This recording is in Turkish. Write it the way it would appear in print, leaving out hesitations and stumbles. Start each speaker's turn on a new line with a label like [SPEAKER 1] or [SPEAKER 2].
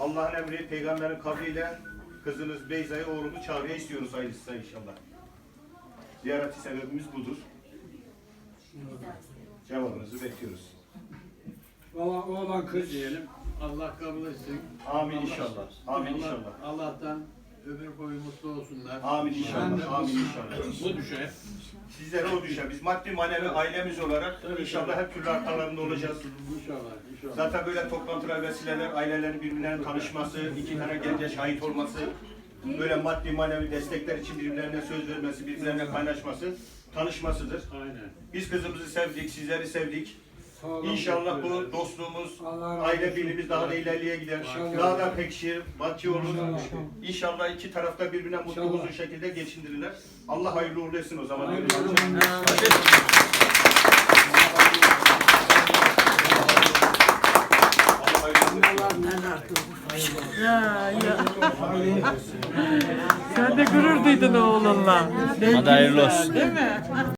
[SPEAKER 1] Allah'ın emri, peygamberin kavliyle kızınız Beyza'yı, oğlumu çağrıya istiyoruz hayırlısı inşallah. Ziyareti sebebimiz budur. Cevabınızı bekliyoruz.
[SPEAKER 2] Valla oğlan kız diyelim. Allah kabul etsin.
[SPEAKER 1] Amin inşallah. Amin inşallah.
[SPEAKER 2] Allah'tan ömür boyu mutlu olsunlar.
[SPEAKER 1] Amin inşallah. Amin inşallah.
[SPEAKER 2] Bu düşer.
[SPEAKER 1] Sizlere o düşer. Biz maddi manevi ailemiz olarak inşallah hep türlü arkalarında olacağız.
[SPEAKER 2] İnşallah. İnşallah.
[SPEAKER 1] Zaten böyle toplantılar, vesileler, ailelerin birbirlerine tanışması, iki tane gence şahit olması, böyle maddi manevi destekler için birbirlerine söz vermesi, birbirlerine kaynaşması, tanışmasıdır.
[SPEAKER 2] Aynen.
[SPEAKER 1] Biz kızımızı sevdik, sizleri sevdik.
[SPEAKER 2] Sağ olun.
[SPEAKER 1] İnşallah bu dostluğumuz,
[SPEAKER 2] Allah razı
[SPEAKER 1] aile
[SPEAKER 2] olsun.
[SPEAKER 1] birliğimiz daha da ileriye gider.
[SPEAKER 2] İnşallah.
[SPEAKER 1] Daha da pekişir, batçı olur.
[SPEAKER 2] İnşallah.
[SPEAKER 1] İnşallah iki tarafta birbirine mutlu
[SPEAKER 2] İnşallah.
[SPEAKER 1] uzun şekilde geçindirirler. Allah hayırlı uğurlu etsin o zaman.
[SPEAKER 2] Hayırlı uğurlu olsun.
[SPEAKER 3] Ya ya. Sen de gurur duydun oğlunla.
[SPEAKER 4] Hadi hayırlı olsun.
[SPEAKER 3] Değil mi?